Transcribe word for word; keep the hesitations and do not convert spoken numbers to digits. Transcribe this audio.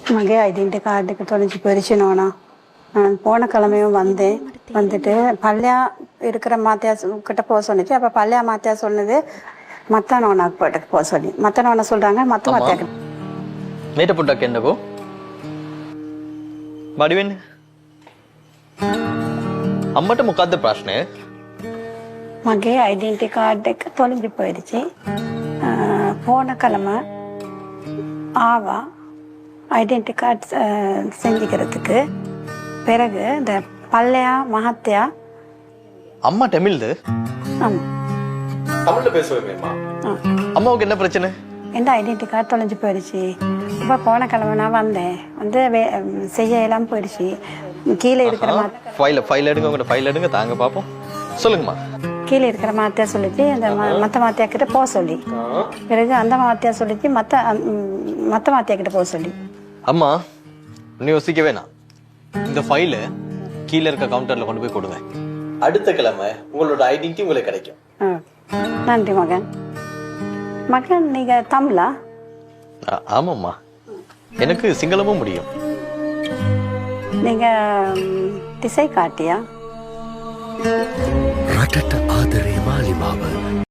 மகே ஐடென்டி கார்டுக்கு தொலைஞ்சு போயிடுச்சுனோண்ணா. நான் போன கிழமையும் வந்தேன். வந்துட்டு பள்ளியா இருக்கிற மாத்தியா கிட்ட போக சொன்னிச்சு. அப்போ பள்ளியா மாத்தியா சொன்னது மத்த நோனாக்கு போட்டுக்கு போக சொல்லி. மத்த நோனா சொல்றாங்க மத்த மாத்தியா මේට පොඩ්ඩක් එන්නකෝ. බඩි වෙන්න. අම්මට මොකද්ද ප්‍රශ්නය? மகே ஐடென்டி கார்டுக்கு தொலைஞ்சு போயிடுச்சு. போன கிழமை ஆவா ஐடென்டி கார்டு செஞ்சுக்கிறதுக்கு பிறகு இந்த பல்லையா மகத்தியா அம்மா தமிழ்து? ஆமா தமிழ்ல பேசுவேமேம்மா. அம்மாவுக்கு என்ன பிரச்சனை? எந்த ஐடென்டி கார்டு தொலைஞ்சு போயிடுச்சு. இப்போ போன கிழமை நான் வந்தேன். வந்து செய்ய எல்லாம் போயிடுச்சு. கீழே இருக்கிற ஃபைல ஃபைல் எடுங்க, உங்களோட ஃபைல் எடுங்க, தாங்க பார்ப்போம். சொல்லுங்கம்மா. கீழே இருக்கிற மாத்தியா சொல்லிச்சு அந்த மற்ற மாத்தியா கிட்ட போக சொல்லி. பிறகு அந்த மாத்தியா சொல்லிச்சு மற்ற மற்ற மாத்தியா கிட்ட போக சொல்லி. அம்மா நீ யோசிக்க வேணாம். இந்த ஃபைல கீழே இருக்க கவுண்டர்ல கொண்டு போய் கொடுங்க. அடுத்த கிழமை உங்களோட ஐடென்டி உங்களுக்கு கிடைக்கும். நன்றி மகன். மகன் நீங்க தமிழா? ஆமாம்மா, எனக்கு சிங்களமும் முடியும். நீங்க திசை காட்டியா? රටට ආදරේ මාලිමාව